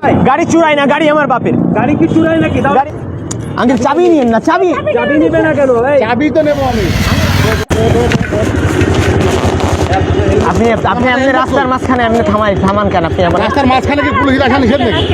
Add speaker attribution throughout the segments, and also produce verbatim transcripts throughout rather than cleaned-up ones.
Speaker 1: গাড়ি চুরাই না, গাড়ি আমার বাপের।
Speaker 2: গাড়ি কি চুরাই নাকি?
Speaker 1: আঙ্কেল চাবি নিয়েন না, চাবি
Speaker 2: চাবি নিবে না কেন?
Speaker 3: চাবি তো নেবো আমি।
Speaker 1: আপনি আপনি আপনি রাস্তার মাঝখানে আপনি থামাই থামান কেন? আপনি আমার
Speaker 3: রাস্তার মাঝখানে কি পুলিশের আসা নিষেধ নাকি?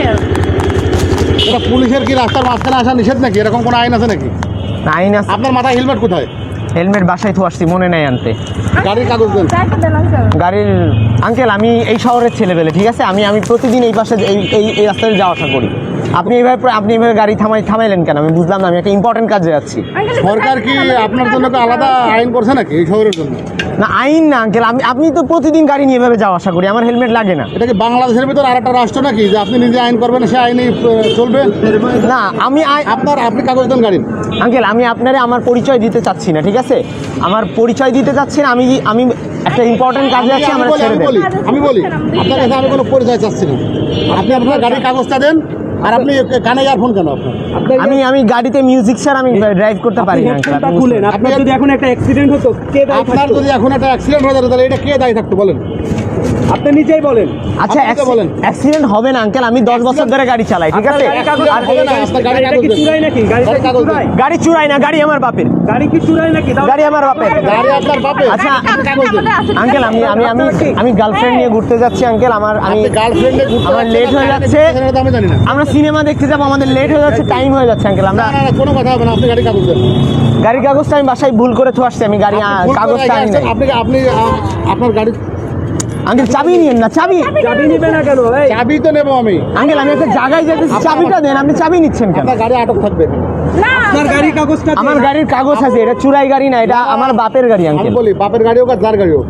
Speaker 3: এটা পুলিশের কি রাস্তার মাঝখানে আসা নিষেধ নাকি? এরকম কোনো আইন আছে নাকি?
Speaker 1: আইন আছে।
Speaker 3: আপনার মাথায় হেলমেট কোথায়?
Speaker 1: হেলমেট বাসায় তো আসছি, মনে নাই আনতে।
Speaker 3: গাড়ির কাগজ দেন।
Speaker 1: গাড়ির আঙ্কেল আমি এই শহরের ছেলেবেলে, ঠিক আছে? আমি আমি প্রতিদিন এই পাশে এই এই এই রাস্তায় যাওয়া আসা করি। আপনি এইভাবে আপনি এইভাবে গাড়ি থামাই থামাইলেন কেন? আমি বুঝলাম না, আমি একটা ইম্পর্টেন্ট কাজে যাচ্ছি।
Speaker 3: সরকার কি আপনার জন্য কি আলাদা আইন করছে নাকি এই শহরের জন্য?
Speaker 1: না আইন না আঙ্কেল, আমি আপনি তো প্রতিদিন গাড়ি নিয়ে এভাবে যাওয়া আসা করি, আমার হেলমেট লাগে না।
Speaker 3: এটা কি বাংলাদেশের ভিতর আর একটা রাষ্ট্র নাকি যে আপনি নিজে আইন করবেন সে আইনই চলবে?
Speaker 1: না আমি
Speaker 3: আপনার আপনি কাগজ দেন গাড়ির।
Speaker 1: আঙ্কেল আমি আপনারে আমার পরিচয় দিতে চাচ্ছি না, ঠিক আছে? আমার পরিচয় দিতে চাচ্ছি না, আমি আমি একটা ইম্পর্টেন্ট কাজে আছি, আমার ছেড়ে দেন।
Speaker 3: আমি বলি আপনার কাছে আমি কোনো পরিচয় চাচ্ছি না। আপনি আপনার গাড়ির কাগজটা দেন। আর আপনি কানে ইয়ারফোন কেন আপনার?
Speaker 1: আমি আমি গাড়িতে মিউজিক ছাড়া আমি ড্রাইভ করতে পারি না আঙ্কেল।
Speaker 2: হেডফোনটা খুলেন। আপনার যদি এখন একটা অ্যাক্সিডেন্ট হতো কে দায়ী
Speaker 3: আপনার
Speaker 2: থাকতো?
Speaker 3: যদি এখন একটা অ্যাক্সিডেন্ট হয়ে যেত তাহলে এটা কে দায়ী থাকতো বলেন?
Speaker 2: আপনি নিজেই বলেন।
Speaker 1: আচ্ছা
Speaker 3: আপনি তো বলেন।
Speaker 1: অ্যাক্সিডেন্ট হবে না আঙ্কেল, আমি দশ বছর ধরে গাড়ি চালাই, ঠিক আছে?
Speaker 2: আপনার গাড়ির কাগজ
Speaker 3: আর হবে না, আপনার গাড়ির
Speaker 2: এটা
Speaker 3: কাগজ
Speaker 2: কি
Speaker 3: দেন।
Speaker 2: চুরাই নাকি? গাড়িটা
Speaker 3: গাড়ির
Speaker 2: কি
Speaker 3: কাগজ দেন।
Speaker 2: চুরাই?
Speaker 1: গাড়ি চুরাই না, গাড়ি আমার বাপের।
Speaker 2: গাড়ি কি চুরাই নাকি? দাও।
Speaker 1: গাড়ি আমার বাপের।
Speaker 3: গাড়ি আপনার বাপে।
Speaker 1: আচ্ছা
Speaker 3: আপনি কাগজ দেন।
Speaker 1: আঙ্কেল আমি আমি আমি আমি গার্লফ্রেন্ড নিয়ে ঘুরতে যাচ্ছি আঙ্কেল, আমার আমি
Speaker 3: আপনি গার্লফ্রেন্ডে ঘুরতে
Speaker 1: আমার
Speaker 3: যাচ্ছেন,
Speaker 1: লেট হয়ে
Speaker 3: আপনি
Speaker 1: যাচ্ছে।
Speaker 3: সেটা তো আমি জানি না।
Speaker 1: আমরা সিনেমা দেখতে যাবো, আমাদের লেট হয়ে যাচ্ছে, টাইম হয়ে যাচ্ছে আঙ্কেল। আমরা
Speaker 3: না না না, কোনো কথা হবে না। আপনি গাড়ির কাগজ দেন।
Speaker 1: গাড়ির কাগজটা আমি বাসায় ভুল করে তো আসছি, আমি গাড়ি
Speaker 3: ভুল করে
Speaker 1: কাগজটা আনি নাই।
Speaker 3: আপনি আপনি আ- আপনার গাড়ি
Speaker 1: আঙ্কেল চাবি নিয়েন না, চাবি
Speaker 2: চাবি নিবে না কেন? এই
Speaker 3: চাবি তো নেবো আমি।
Speaker 1: আঙ্কেল আমি একটা জায়গায় যেতেছি, চাবিটা দেন। আপনি চাবি নিচ্ছেন কেন?
Speaker 3: আপনার গাড়ি আটক থাকবে।
Speaker 2: আপনার গাড়ির কাগজটা
Speaker 1: আমার গাড়ির কাগজ আছে, এটা চুরাই গাড়ি না, এটা আমার বাপের গাড়ি
Speaker 3: আমি
Speaker 1: আঙ্কেল।
Speaker 3: বলি বাপের গাড়ি হোক আর যার গাড়ি হোক।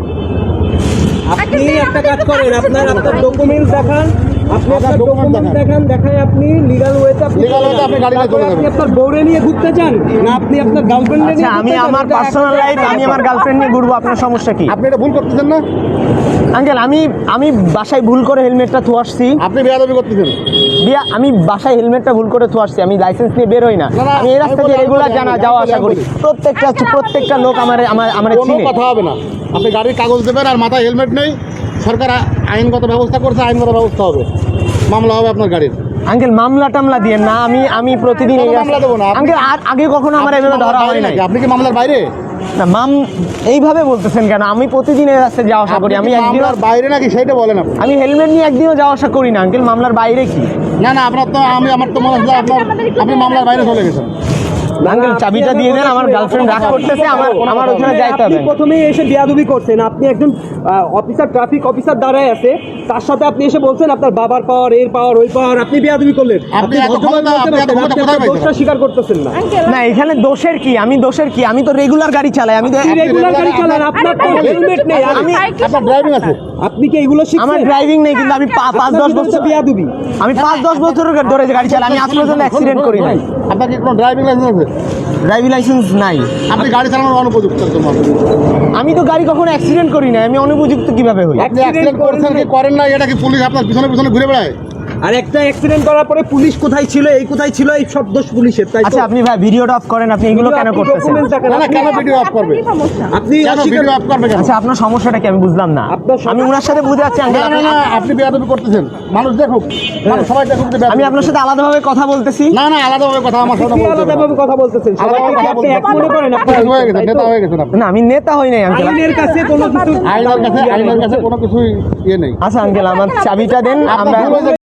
Speaker 2: আপনি একটা কাজ করেন, আপনার আপনার ডকুমেন্টস দেখান। আপনি আপনার
Speaker 3: document
Speaker 2: ডকুমেন্টস
Speaker 3: দেখান।
Speaker 2: দেখান, দেখায় আপনি লিগ্যাল ওয়েতে আপনি
Speaker 3: Legal way তে আপনি গাড়ি নিয়ে চলে
Speaker 2: আপনি
Speaker 3: যাবেন।
Speaker 2: আপনার বউরে নিয়ে ঘুরতে চান না আপনি আপনার গার্লফ্রেন্ড নিয়ে
Speaker 1: আচ্ছা
Speaker 2: ঘুরতে
Speaker 1: আমি
Speaker 2: চান?
Speaker 1: আমার
Speaker 2: এটা
Speaker 1: পার্সোনাল
Speaker 2: একটা-
Speaker 1: লাইফ, আমি আমার গার্লফ্রেন্ড নিয়ে ঘুরবো, আপনার সমস্যা কি?
Speaker 3: আপনি এটা ভুল করতেছেন না?
Speaker 1: আঙ্কেল আমি আমি বাসায় ভুল করে হেলমেটটা থু আসছি।
Speaker 3: আপনি বেয়াদবি করতেছেন।
Speaker 1: বিয়া আমি বাসায় হেলমেটটা ভুল করে থু আসছি, আমি লাইসেন্স নিয়ে বের হই না।
Speaker 3: না, না,
Speaker 1: আমি এই রাস্তা
Speaker 3: আমি
Speaker 1: দিয়ে
Speaker 3: বলি,
Speaker 1: রেগুলার
Speaker 3: আমি
Speaker 1: জানা
Speaker 3: বলি,
Speaker 1: যাওয়া
Speaker 3: আমি
Speaker 1: আসা করি,
Speaker 3: বলি।
Speaker 1: প্রত্যেকটা প্রত্যেকটা লোক আমার আমার আমার
Speaker 3: কোনো
Speaker 1: চিনে।
Speaker 3: কথা হবে না। আপনি গাড়ির কাগজ দেবেন আর মাথায় হেলমেট নেই, সরকার আ- আইনগত ব্যবস্থা করছে, আইনগত ব্যবস্থা হবে, মামলা হবে আপনার গাড়ির।
Speaker 1: আঙ্কেল মামলা টামলা দিয়ে না, আমি আমি প্রতিদিন এই
Speaker 3: কোনো
Speaker 1: রাস্তা-
Speaker 3: মামলা দেবো না। আপনি-
Speaker 1: আঙ্কেল আর আগে কখনো আমার
Speaker 3: আপনি
Speaker 1: এভাবে
Speaker 3: মামলার
Speaker 1: ধরা
Speaker 3: বাইরে
Speaker 1: হয় নাই।
Speaker 3: নাকি? আপনি কি মামলার বাইরে?
Speaker 1: না মাম এইভাবে বলতেছেন কেন? আমি প্রতিদিন এই রাস্তায় যাওয়া আসা করি, আমি
Speaker 3: আপনি কি
Speaker 1: একদিনও
Speaker 3: মামলার বাইরে নাকি সেইটা বলেন আপনি।
Speaker 1: আমি হেলমেট নিয়ে একদিনও যাওয়া আসা করি না আঙ্কেল। মামলার বাইরে কি
Speaker 3: না না, আপনার তো আমি আমার তো মনে হচ্ছে আপনার আপনি মামলার বাইরে চলে গেছেন।
Speaker 1: আঙ্কেল চাবিটা দিয়ে দেন, আমার গার্লফ্রেন্ড রাগ করতেছে, আমার আমার ওখানে যাইতে হবে।
Speaker 2: আপনি প্রথমেই এসে বিয়াদবি করছেন। আপনি একজন অফিসার, ট্রাফিক অফিসার দাঁড়ায় আছে, তার সাথে আপনি এসে বলছেন আপনার বাবার পাওয়ার, এর পাওয়ার, ওই পাওয়ার, আপনি বিয়াদবি করলেন।
Speaker 3: আপনি
Speaker 2: আপনি
Speaker 3: এত
Speaker 2: ভদ্রভাবে
Speaker 3: ক্ষমতা-
Speaker 2: বলতে
Speaker 3: আপনি এত
Speaker 2: পারতেন,
Speaker 3: ক্ষমতা
Speaker 2: আপনি
Speaker 3: কোথায়
Speaker 2: আপনার
Speaker 3: পাইছেন?
Speaker 2: দোষটা স্বীকার করতেছেন না।
Speaker 1: না এখানে দোষের কি? আমি দোষের কি? আমি তো রেগুলার গাড়ি চালাই, আমি তো
Speaker 2: আপনি রেগুলার গাড়ি চালান, আপনার তো হেলমেট নেই।
Speaker 1: আমি
Speaker 3: আপনার ড্রাইভিং আছে?
Speaker 2: আপনি কি এগুলো শিখছেন?
Speaker 1: আমার ড্রাইভিং নেই, কিন্তু আমি পা- পাঁচ দশ বছর
Speaker 2: বিয়াদবি।
Speaker 1: আমি পাঁচ দশ বছর ধরে গাড়ি চালাই, আমি আজ পর্যন্ত অ্যাক্সিডেন্ট করি নাই।
Speaker 3: আপনার কি কোনো ড্রাইভিং লাইসেন্স আছে?
Speaker 1: ড্রাইভিং লাইসেন্স নাই।
Speaker 3: আপনি গাড়ি চালানোর অনুপযুক্ত একদম আপনি।
Speaker 1: আমি তো গাড়ি কখনো অ্যাক্সিডেন্ট করি না, আমি অনুপযুক্ত কিভাবে হই?
Speaker 3: আপনি অ্যাক্সিডেন্ট করছেন কি করেন না, এটা কি পুলিশ আপনার পিছনে পিছনে ঘুরে বেড়ায়?
Speaker 2: আর একটা অ্যাক্সিডেন্ট করার পরে পুলিশ কোথায় ছিল, এই কোথায় ছিল, এই সব দোষ পুলিশের, তাই তো?
Speaker 1: আচ্ছা আপনি ভাই ভিডিওটা অফ করেন, আপনি এগুলো কেন
Speaker 2: আপনি
Speaker 1: করতেছেন?
Speaker 2: documents দেখান,
Speaker 3: না না,
Speaker 2: আপনি-
Speaker 3: কেন ভিডিও অফ করবে?
Speaker 2: আপনি
Speaker 3: কেন
Speaker 2: অস্বীকার-
Speaker 3: ভিডিও অফ করবে কেন?
Speaker 1: আচ্ছা আপনার সমস্যাটা কি আমি বুঝলাম না।
Speaker 2: আপনার সমস্যা-
Speaker 1: আমি ওনার সাথে বুঝে যাচ্ছি
Speaker 3: না
Speaker 1: আঙ্কেল,
Speaker 3: না না, আপনি বেয়াদবি করতেছেন। মানুষ দেখুক, মানুষ সবাই দেখুক যে বেয়াদবি
Speaker 1: আমি আপনার
Speaker 3: করতেছেন।
Speaker 1: সাথে আলাদাভাবে কথা বলতেছি।
Speaker 3: না না, আলাদাভাবে কথা আমার সাথে
Speaker 2: আপনি
Speaker 3: বলতে হবে না।
Speaker 2: আলাদাভাবে কথা বলতেছেন।
Speaker 3: আলাদাভাবে
Speaker 2: সবাইকে কি
Speaker 3: কথা
Speaker 2: আপনি এক
Speaker 3: বলতে
Speaker 2: মনে করেন?
Speaker 3: আপনি
Speaker 2: আপনার
Speaker 3: হয়ে গেছেন, নেতা হয়ে গেছেন আপনি।
Speaker 1: না আমি নেতা হই নাই আঙ্কেল।
Speaker 2: আইনের কাছে কোনো কিছু
Speaker 3: আইনের কাছে আইনের কাছে কোনো কিছুই ইয়ে নেই।
Speaker 1: আচ্ছা আঙ্কেল আমার চাবিটা দেন,
Speaker 3: আপনার
Speaker 1: আমরা
Speaker 3: ভুল হয়েছে।